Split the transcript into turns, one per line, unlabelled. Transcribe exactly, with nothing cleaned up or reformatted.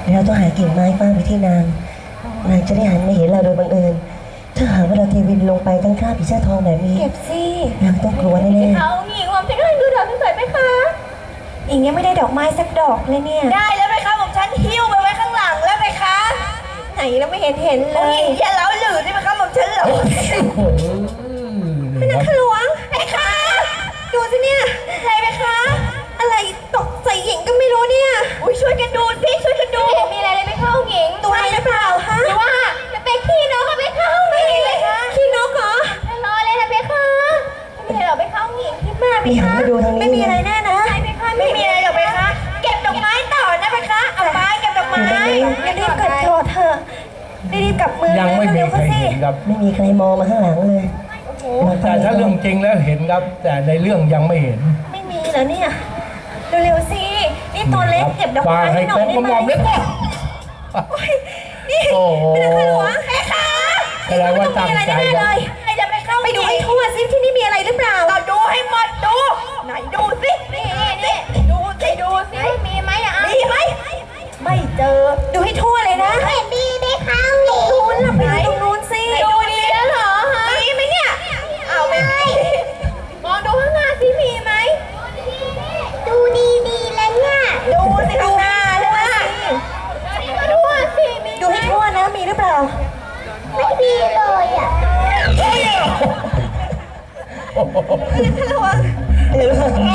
เราต้องหากิ่งไม้ฟาดไปที่นางนางจะได้หันมาเห็นเราโดยบังเอิญถ้าหากว่าเราเทวินลงไปตั้งค่าผีเสื้อทองแบบนี้
เก็บสิ
นางต้องกลัวแน่
ๆเขาหญิงผมจะก็ดูดอกสวยๆไหมคะหญิงยังไม่ได้ดอกไม้สักดอกเลยเนี่ยได้แล้วไหมคะผมฉันหิ้วไปไว้ข้างหลังแล้วไหมคะไหนแล้วไม่เห็นเห็นเลยอย่าเล้าหลือได้ไหมคะผมฉันเหรอเป็นนักหลวงไหมคะดูสิเนี่ยอะไรไหมคะอะไรตกใส่หญิงก็ไม่รู้เนี่ยอุ้ยช่วยกันดูสิช่วยกันดูมีอะไรเลยไม่เข้าหญิงตัวอะไรหรือเปล่าคะหรือว่าจะเป็นขี้นกก็ไม่เข้าหญิงเลยคะขี้นกเหรอรอเลยนะเบคะไม่มีอะไรหรอกไปเข้าหญิงคิดมากเบคะไม่มีอะไรแน่นะไม่มีอะไรหรอกเบคะเก็บดอกไม้ต่อนะเบคะเอาไม้เก็บดอกไม้รีบกลับโทษเถอะรีบกลับมือ
ยังไม่มีใครเห็นครับ
ไม่มีใครมองมาข้างหลังเลย
แต่ถ้าเรื่องจริงแล้วเห็นครับแต่ในเรื่องยังไม่เห็น
ไม่มีเหรอเนี่ยเร็วๆสินี่ตัวเล็กเก็บดอกไม้ให้หน่อยได้ไหมนี่เป็นนักหลวงแม่คะ
แสดงว่าตั้งใจ
เลยจะไปเข้าไปดูให้ทั่วซิที่นี่มีอะไรหรือเปล่าก็ดูให้หมดดูไหนดูสินี่นี่ดูสิดูสิมีไหมอ่ะมีไหมไม่เจอดูให้ทั่วเลยนะเห็นดีไหมคะตรงนู้นล่ะไปดูตรงนู้นสิดูดีแล้วเหรอฮะมีไหมเนี่ยเอาไม่มองดูข้างหน้าสิมีไหมดูดีดีแล้วเนี่ยดูสิข้างหน้าเลยนะดูสิดูให้ทั่วนะมีหรือเปล่าไม่มีเลยอ่ะระวัง